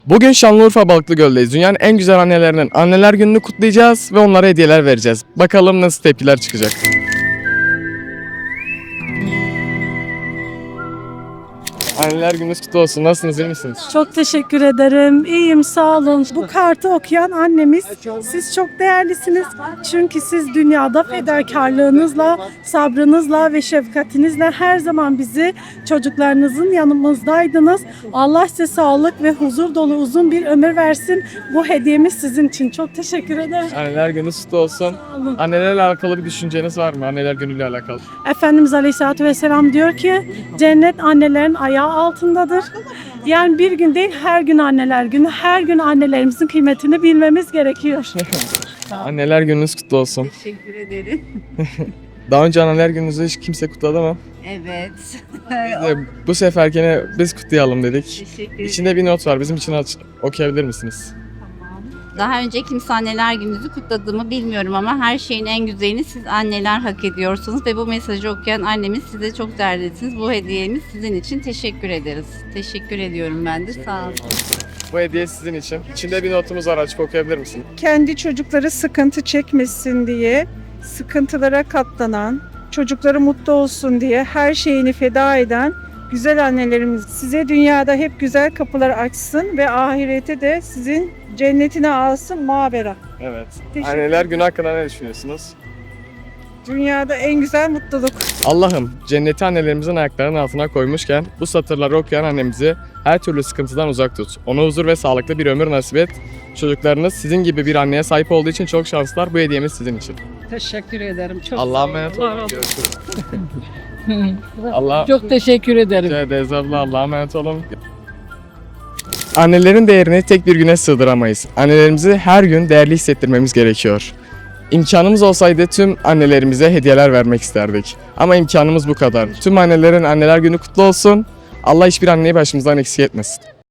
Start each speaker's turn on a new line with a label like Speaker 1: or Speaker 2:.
Speaker 1: Bugün Şanlıurfa Balıklıgöl'deyiz. Dünyanın en güzel annelerinin anneler gününü kutlayacağız ve onlara hediyeler vereceğiz. Bakalım nasıl tepkiler çıkacak. Anneler gününüz kutlu olsun. Nasılsınız, iyi misiniz?
Speaker 2: Çok teşekkür ederim. İyiyim, sağ olun. Bu kartı okuyan annemiz, siz çok değerlisiniz. Çünkü siz dünyada fedakarlığınızla, sabrınızla ve şefkatinizle her zaman bizi, çocuklarınızın yanımızdaydınız. Allah size sağlık ve huzur dolu uzun bir ömür versin. Bu hediyemiz sizin için. Çok teşekkür ederim.
Speaker 1: Anneler gününüz kutlu olsun.
Speaker 2: Sağ olun.
Speaker 1: Annelerle alakalı bir düşünceniz var mı? Anneler günüyle alakalı.
Speaker 2: Efendimiz Aleyhisselatü Vesselam diyor ki cennet annelerin ayağı altındadır. Yani bir gün değil, her gün anneler günü. Her gün annelerimizin kıymetini bilmemiz gerekiyor.
Speaker 1: Anneler gününüz kutlu olsun.
Speaker 3: Teşekkür ederim.
Speaker 1: Daha önce anneler gününüzü hiç kimse kutladı mı?
Speaker 3: Evet.
Speaker 1: Biz de bu seferkine biz kutlayalım dedik.
Speaker 3: Teşekkür ederim.
Speaker 1: İçinde bir not var. Bizim için okuyabilir misiniz?
Speaker 3: Daha önce kimse anneler gününüzü kutladığımı bilmiyorum ama her şeyin en güzelini siz anneler hak ediyorsunuz ve bu mesajı okuyan annemiz size çok değerlisiniz. Bu hediyemiz sizin için, teşekkür ederiz. Teşekkür ediyorum ben de, sağ olun.
Speaker 1: Bu hediye sizin için. İçinde bir notumuz var. Açıp okuyabilir misin?
Speaker 4: Kendi çocukları sıkıntı çekmesin diye, sıkıntılara katlanan, çocukları mutlu olsun diye her şeyini feda eden güzel annelerimiz size dünyada hep güzel kapılar açsın ve ahirete de sizin cennetine alsın mavera.
Speaker 1: Evet.
Speaker 4: Teşekkür
Speaker 1: Anneler günü hakkında ne düşünüyorsunuz?
Speaker 4: Dünyada en güzel mutluluk.
Speaker 1: Allah'ım cenneti annelerimizin ayaklarının altına koymuşken bu satırları okuyan annemizi her türlü sıkıntıdan uzak tut. Ona huzur ve sağlıklı bir ömür nasip et. Çocuklarınız sizin gibi bir anneye sahip olduğu için çok şanslılar. Bu hediyemiz sizin için.
Speaker 5: Teşekkür ederim. Çok
Speaker 1: Allah'a emanet olun. Görüşürüz. Allah
Speaker 5: Çok teşekkür ederim.
Speaker 1: rica ederiz abla. Allah'a emanet olun. Annelerin değerini tek bir güne sığdıramayız. Annelerimizi her gün değerli hissettirmemiz gerekiyor. İmkanımız olsaydı tüm annelerimize hediyeler vermek isterdik. Ama imkanımız bu kadar. Tüm annelerin anneler günü kutlu olsun. Allah hiçbir anneyi başımızdan eksik etmesin.